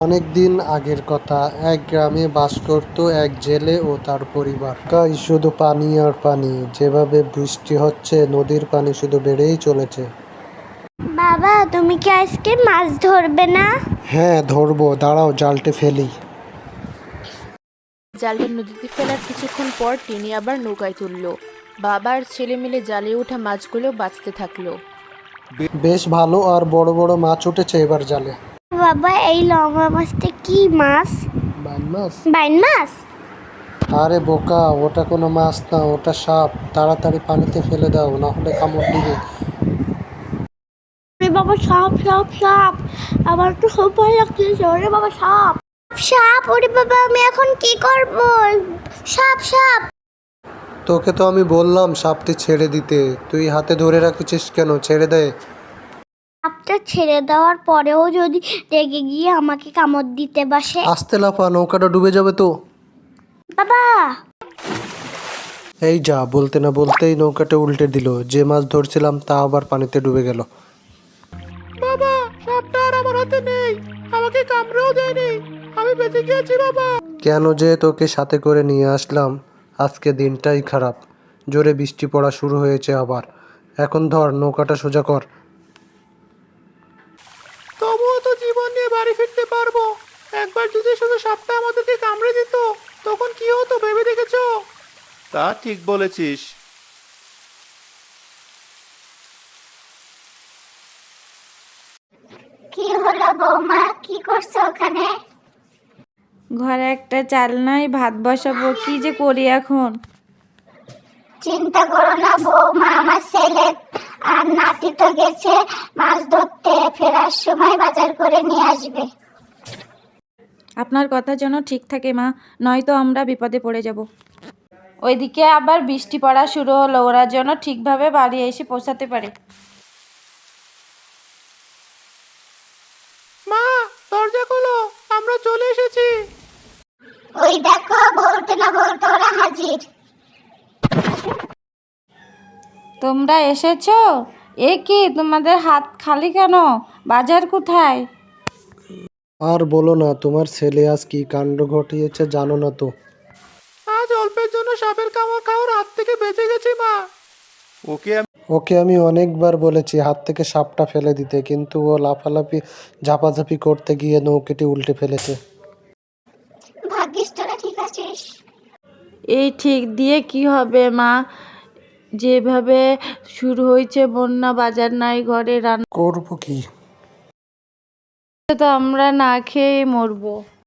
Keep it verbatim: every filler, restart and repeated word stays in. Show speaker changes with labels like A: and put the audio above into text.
A: অনেক দিন আগের কথা, এক গ্রামে বাস করত এক জেলে ও তার পরিবার। গায়ে শুধু পানি আর পানি, যেভাবে বৃষ্টি হচ্ছে নদীর পানি শুধু বেড়েই চলেছে।
B: বাবা, তুমি কি আজকে মাছ ধরবে না?
A: হ্যাঁ ধরবো, দাঁড়াও জালটে ফেলি।
C: জালটা নদীতে ফেলার কিছুক্ষণ পর টিনি আবার নৌকায় তুলল। বাবা আর ছেলে মিলে জালে ওঠা মাছগুলো বাঁচতে থাকলো।
A: বেশ ভালো আর বড় বড় মাছ উঠেছে এবার জালে।
B: বাবা, এই লম্বা মাছটা কি মাছ?
A: বাইন মাছ?
B: বাইন মাছ?
A: আরে বোকা, ওটা কোনো মাছ না, ওটা সাপ। তাড়াতাড়ি পানিতে ফেলে দাও, না হলে কামড় দিবে।
B: আরে বাবা, সাপ সাপ সাপ! আমার তো খুব ভয় লাগছে। ওরে বাবা, সাপ সাপ! ওরে বাবা, আমি এখন কি করব? সাপ সাপ!
A: তোকে তো আমি বললাম সাপটি ছেড়ে দিতে, তুই হাতে ধরে রাখিছিস কেন? ছেড়ে দে।
B: সাপটা ছেড়ে দেওয়ার পরেও যদি রেগে গিয়ে আমাকে কামড় দিতে বসে?
A: আস্তে লাফা, নৌকাটা ডুবে যাবে তো।
B: বাবা!
A: এই যা, বলতে না বলতেই নৌকাটা উল্টে দিল। যে মাছ ধরছিলাম তা আবার পানিতে ডুবে গেল।
D: বাবা, সাপটা আর আমার হাতে নেই, আমাকে কামড়েও দেয়নি, আমি বেঁচে গিয়েছি বাবা।
A: কেন যে তোকে সাথে করে নিয়ে আসলাম। আজকে দিনটাই খারাপ, জোরে বৃষ্টি পড়া শুরু হয়েছে আবার। এখন ধর, নৌকাটা সোজা কর।
D: তবুও তো জীবন নিয়ে বাড়ি ফিরতে পারবো। একবার যদি শুধু সাপটা আমাদেরকে কামড়ে দিত, তখন কি হতো ভেবে দেখেছো? তা ঠিক বলেছিস।
B: কি হলো বৌমা, কি করছো ওখানে?
E: ঘরে একটা চাল নাই, ভাত বসাবো, কি যে করি এখন।
B: চিন্তা করো না বৌমা, আমার ছেলে আর নাতি তো গেছে মাছ ধরতে, ফেরার সময় বাজার করে নিয়ে আসবে।
E: আপনার কথা যেন ঠিক থাকে মা, নয়তো আমরা বিপদে পড়ে যাব। ওইদিকে আবার বৃষ্টি পড়া শুরু হলো, ওরা যেন ঠিকভাবে বাড়ি এসে পৌঁছাতে পারে।
D: মা, দরজা খোলো, আমরা চলে এসেছি।
B: ওই দেখো, বলতে না বলতে ওরা হাজির।
E: তোমরা এসেছো? এ কি, তোমাদের হাত খালি কেন? বাজার কোথায়?
A: আর বলো না, তোমার ছেলে আজ কি কাণ্ড ঘটিয়েছে জানো না তো।
D: আজ অল্পের জন্য সাপের কামড় খাওয়ার হাত থেকে বেঁচে গেছি মা। ওকে আমি
A: ওকে আমি অনেকবার বলেছি হাত থেকে সাপটা ফেলে দিতে, কিন্তু ও লাফালাফি ঝাপাঝাপি করতে গিয়ে নৌকাটি উল্টে ফেলেছে।
B: ভাগ্যিস তোরা ঠিক আছিস।
E: এই ঠিক দিয়ে কি হবে মা, যেভাবে শুরু হয়েছে বন্যা, বাজার নাই, ঘরে রান্না
A: করবো কি?
E: তো আমরা না খেয়ে মরবো।